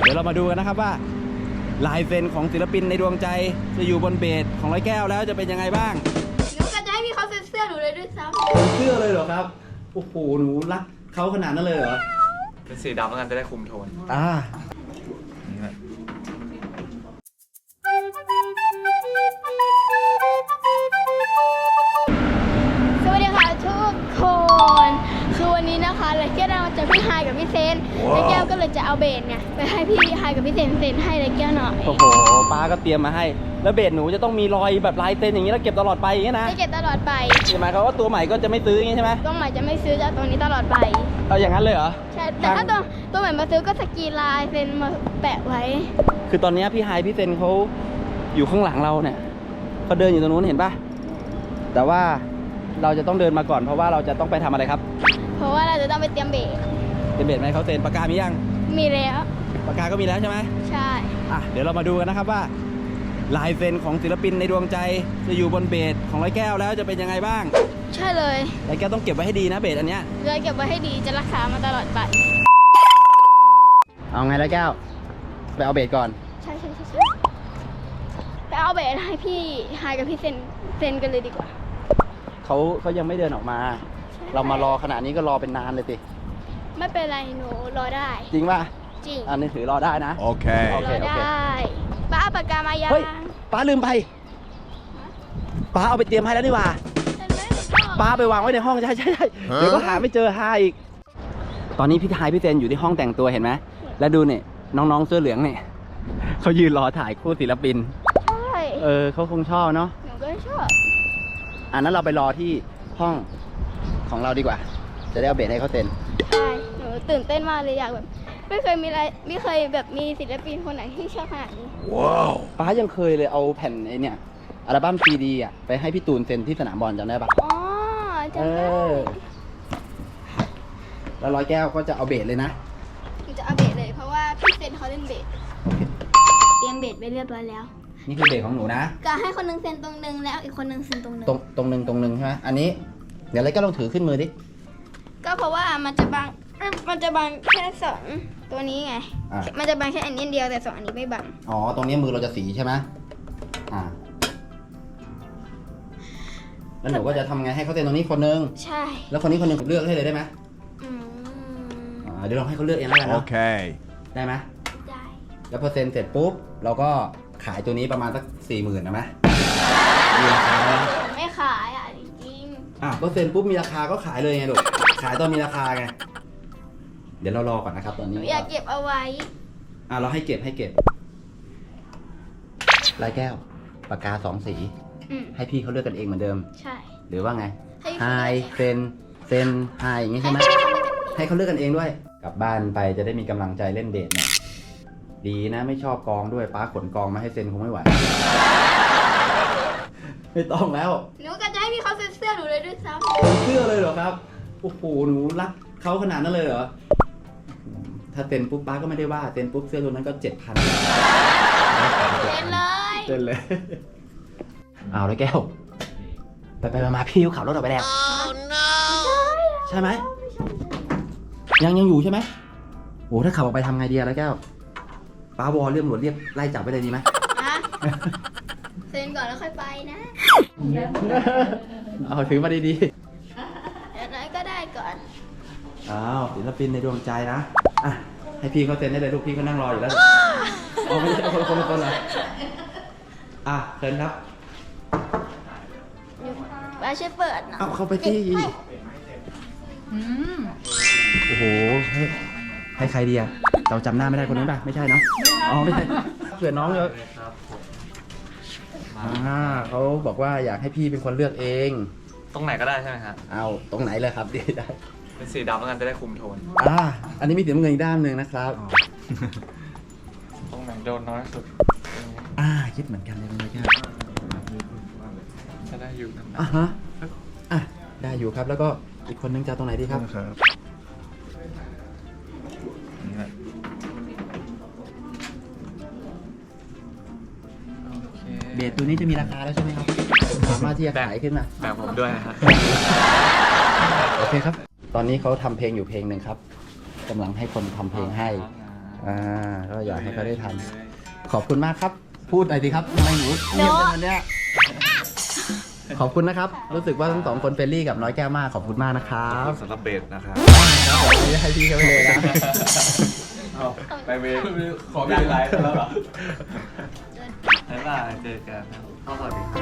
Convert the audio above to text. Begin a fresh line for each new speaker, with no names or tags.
ดี๋ยวเรามาดูกันนะครับว่าลายเซ็นของศิลปินในดวงใจจะอยู่บนเบสของร้อยแก้วแล้วจะเป็นยังไงบ้าง
หนูก็จะให้พี่เขาเซ็นเสื้อหนูเลยด้วยซ้
ำเสื้อเลยเหรอครับโอ้โหหนูรักเขาขนาดนั้นเลยเหรอ
เป็นสีดำแล้วกันจะได้คุมโทน
สวัสดีค่ะทุกคนคือวันนี้นะคะไรแก้วเราจะพี่ไฮกับพี่เซนไรแก้วก็เลยจะเอาเบสไงไปให้พี่ไฮกับพี่เซนให้ไรแก้วหน่อย
โอ้โหป้าก็เตรียมมาให้แล้วเบสหนูจะต้องมีรอยแบบลายเซ็นอย่างนี้แล้วเก็บตลอดไปอย่างนี้นะ
จะเก็บตลอดไป
หมายความว่าตัวใหม่ก็จะไม่ซื้ออย่างนี้ใช่ไหม
ตัวใหม่จะไม่ซื้อจะตัวนี้ตลอดไป
เอาอย่างนั้นเลยเหรอ
ใช่แต่ถ้าตัวใหม่มาซื้อก็สกรีนลายเซ็นมาแปะไว้
คือตอนนี้พี่ไฮพี่เซนเขาอยู่ข้างหลังเราเนี่ยเขาเดินอยู่ตรงนู้นเห็นปะแต่ว่าเราจะต้องเดินมาก่อนเพราะว่าเราจะต้องไปทำอะไรครับ
เพราะว่าเราจะต้องไปเตรียมเบส
ไหมเขาเซ็นปากกามียัง
มีแล้ว
ปากกาก็มีแล้วใช่ไหม
ใช่
เดี๋ยวเรามาดูกันนะครับว่าลายเซ็นของศิลปินในดวงใจจะอยู่บนเบสของร้อยแก้วแล้วจะเป็นยังไงบ้าง
ใช่เลย
ร้อยแก้วต้องเก็บไว้ให้ดีนะเบสอันเนี้ย
เลยเก็บไว้ให้ดีจะรักษามาตลอดไป
เอาไงร้อยแก้วไปเอาเบสก่อน
ใช่ไปเอาเบสให้พี่ไฮกับพี่เซนกันเลยดีกว่า
เขายังไม่เดินออกมาเรามารอขนาดนี้ก็รอเป็นนานเลยสิ
ไม่เป็นไรหนูรอได้
จริงป่ะ
จริง
อันนี้ถือรอได้นะ
โอเค
รอได้ป้าเอาปากกามายัง
เฮ้ยป้าลืมไปป้าเอาไปเตรียมให้แล้วนี่หว่าป้าไปวางไว้ในห้องใช่เดี๋ยวก็หาไม่เจอหาอีกตอนนี้พี่ไฮพี่เซนอยู่ที่ห้องแต่งตัวเห็นไหมแล้วดูเนี่ยน้องๆเสื้อเหลืองเนี่ยเขายืนรอถ่ายคู่ศิลปิน
ใช่
เขาคงชอบเนาะ
หนูก็ชอบ
นั้นเราไปรอที่ห้องของเราดีกว่าจะได้เอาเบสให้เขาเซ็น
ใช่หนูตื่นเต้นมากเลยอยากแบบไม่เคยแบบมีศิลปินคนไหนที่ชอบขนาดนี้
ว้าวป้ายังเคยเลยเอาแผ่นไอเนี่ยอัลบั้มซีดีไปให้พี่ตูนเซ็นที่สนามบอลจำได้ปะ
อ๋อจำได้
แล้วร้อยแก้วก็จะเอาเบสเลยนะ
จะเอาเบสเลยเพราะว่าพี่เซนเขาเล่นเบสเตรียมเบสไปเรียบร้อยแล้ว
นี่คือเบสของหนูนะ
ก็ให้คนนึงเซ็นตรงนึงแล้วอีกคนนึงเซ็นตรงนึง
ตรงนึงใช่ไหมอันนี้เดี๋ยวร้อยแก้วลองถือขึ้นมือดิ
ก็เพราะว่ามันจะบังแค่สองตัวนี้ไงมันจะบังแค่อันนี้เดียวแต่สองอันนี้ไม่บัง
อ๋อตรงนี้มือเราจะสีใช่ไหมแล้วหนูก็จะทำไงให้เขาเซ็นตรงนี้คนนึง
ใช่
แล้วคนนี้คนนึงเลือกให้เลยได้ไหมเดี๋ยวลองให้เขาเลือกเองแล้วกันเนาะ
โอเค
ได้ไหม
ได้
แล้วพอเซ็นเสร็จปุ๊บเราก็ขายตัวนี้ประมาณสัก40,000นะไหมมีราคาไหม
ไม่ขายจริง
ก็เซ็นปุ๊บมีราคาก็ขายเลยไงลูกขายตอนมีราคาไงเดี๋ยวเรารอก่อนนะครับตอนนี้
อยากเก็บเอาไว้
เราให้เก็บลายแก้วปากกา2 สีให้พี่เขาเลือกกันเองเหมือนเดิม
ใช่
หรือว่าไงไฮเซนไฮอย่างงี้ใช่ไหมให้เขาเลือกกันเองด้วยกลับบ้านไปจะได้มีกำลังใจเล่นเบสเนี่ยดีนะไม่ชอบกองด้วยป้าขนกองมาให้เซ็นคงไม่ไหวไม่ต้องแล้ว
หนูก็จะให้พี่เขาเซ็นเสื้อหนูเลยด้วยซ้
ำเสื้อเลยเหรอครับโอ้โหหนูรักเขาขนาดนั้นเลยเหรอถ้าเซ็นปุ๊บป้าก็ไม่ได้ว่าเซ็นปุ๊บเสื้อตัวนั้นก็7,000เซ็นเลยเอาเลยแก้วไปมาพี่ขับรถออกไปแล้วใช่ไหมยังอยู่ใช่ไหมโอ้ถ้าขับออกไปทำไงดีแล้วแก้วป้าวอเรียกตำรวจเรียกไล่จับไปเลยดีไหม
เซ็นก่อนแล้วค่อยไปนะ
เอาถือมาดี
ๆอย่างนั้นก็ได้ก่อน
ศิลปินในดวงใจนะให้พี่เขาเซ็นได้เลยลูกพี่เขานั่งรออยู่แล้วไม่ใช่คนละเหรอเซ็นครับ
ป้าช่วยเปิดนะ
เข้าไปที่โอ้โหให้ใครดีเราจำหน้าไม่ได้คนนี้ป่ะไม่ใช่เนาะไม่ใช่เผื่อน้องเยอะเขาบอกว่าอยากให้พี่เป็นคนเลือกเอง
ตรงไหนก็ได้ใช่ไหมครับ
เอาตรงไหนเลยครับดีได้
เป็นสีดำแล้วกันจะได้คุมโทน
อันนี้มีสีน้ำเงินอีกด้านหนึ่งนะครับ
ตรงไหนโดนน้อยสุด
คิดเหมือนกันเลยนะ
จะได้อยู่
ได้อยู่ครับแล้วก็อีกคนนึงจะตรงไหนดีครับเบสตัวนี้จะมีราคาแล้วใช่ไหมครับสามารถที่จะขายขึ้นมา
แบบผมด้วยนะครับ
โอเคครับตอนนี้เขาทำเพลงอยู่เพลงหนึ่งครับกำลังให้คนทำเพลงให้ก็อยากให้เขาได้ทำขอบคุณมากครับ พูดหน่อยสิครับทำไมหนูเงียบจังวันเนี้ยขอบคุณนะครับ รู้สึกว่าทั้งสองคนเฟรนลี่กับน้อยแก้วมากขอบคุณมากนะครับ
สำหรับเบสนะครับ
ครับผมนี่ให้พี่เขาไปเลยนะ
ไปเบสขอพี่ไลฟ์แล้วเหรอบ๊ายบายเจอกันครับสวัสดีครับ